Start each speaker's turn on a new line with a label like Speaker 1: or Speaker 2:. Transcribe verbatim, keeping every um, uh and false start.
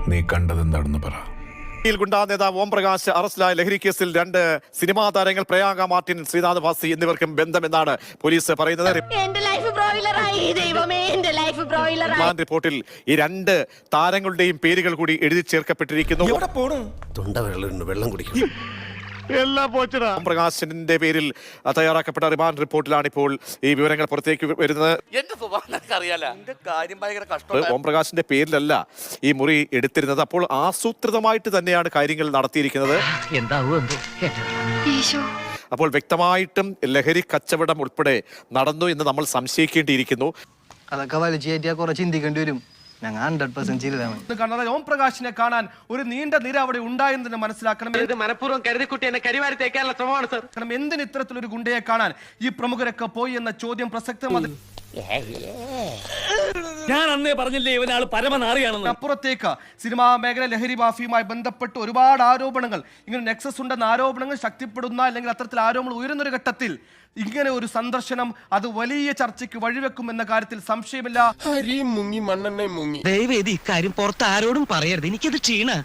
Speaker 1: നീ കണ്ടതെന്താണെന്ന് പറ.
Speaker 2: ഗുണ്ടാ നേതാവ് ഓം പ്രകാശ് അറസ്റ്റിലായ ലഹരി കേസിൽ രണ്ട് സിനിമാ താരങ്ങൾ പ്രയാഗ മാർട്ടിൻ, ശ്രീനാഥ് ഭാസി എന്നിവർക്കും ബന്ധമെന്നാണ് പോലീസ് പറയുന്നത്. റിപ്പോർട്ടിൽ ഈ രണ്ട് താരങ്ങളുടെയും പേരുകൾ കൂടി എഴുതി ചേർക്കപ്പെട്ടിരിക്കുന്നു.
Speaker 3: വെള്ളം കുടിക്കും.
Speaker 2: ഓം പ്രകാശിന്റെ പേരിൽ തയ്യാറാക്കപ്പെട്ട റിമാൻഡ് റിപ്പോർട്ടിലാണ് ഇപ്പോൾ ഈ വിവരങ്ങൾ പുറത്തേക്ക് വരുന്നത്. ഓം പ്രകാശിന്റെ പേരിലല്ല ഈ മുറി എടുത്തിരുന്നത്. അപ്പോൾ ആസൂത്രിതമായിട്ട് തന്നെയാണ് കാര്യങ്ങൾ നടത്തിയിരിക്കുന്നത്. അപ്പോൾ വ്യക്തമായിട്ടും ലഹരി കച്ചവടം ഉൾപ്പെടെ നടന്നു എന്ന് നമ്മൾ സംശയിക്കേണ്ടിയിരിക്കുന്നു.
Speaker 4: അതൊക്കെ വലിച്ചു കയറ്റിയാൽ കുറെ ചിന്തിക്കേണ്ടി വരും. ഞങ്ങൾ ഹൺഡ്രഡ് പെർസെന്റ് ചെയ്തതാണ്.
Speaker 5: ഓം പ്രകാശിനെ കാണാൻ ഒരു നീണ്ട നിര അവിടെ ഉണ്ടായെന്ന് മനസ്സിലാക്കണം.
Speaker 6: മനഃപൂർവ്വം കരുതിക്കുട്ടി എന്നെ കരിവാരി തേക്കാനുള്ള ശ്രമമാണ് സർ.
Speaker 5: കാരണം എന്തിന് ഇത്തരത്തിലൊരു ഗുണ്ടയെ കാണാൻ ഈ പ്രമുഖരൊക്കെ പോയി എന്ന ചോദ്യം പ്രസക്തമാണ്.
Speaker 6: ഞാൻ അന്നേ പറഞ്ഞില്ലേ ഇവനാള് പരമനാറിയാണെന്ന്.
Speaker 5: അപ്പുറത്തേക്ക് സിനിമാ മേഖല ലഹരി മാഫിയുമായി ബന്ധപ്പെട്ട് ഒരുപാട് ആരോപണങ്ങൾ, ഇങ്ങനെ നെക്സസ് ഉണ്ടെന്ന ആരോപണങ്ങൾ ശക്തിപ്പെടുന്ന അല്ലെങ്കിൽ അത്തരത്തിൽ ആരോപണങ്ങൾ ഉയരുന്നൊരു ഘട്ടത്തിൽ ഇങ്ങനെ ഒരു സന്ദർശനം അത് വലിയ ചർച്ചയ്ക്ക് വഴിവെക്കും എന്ന കാര്യത്തിൽ സംശയമില്ല.
Speaker 3: മുങ്ങി മണ്ണെണ്ണ മുങ്ങി.
Speaker 7: ദയവേദി ഇക്കാര്യം പുറത്ത് ആരോടും പറയരുത്, എനിക്കത് ക്ഷീണ.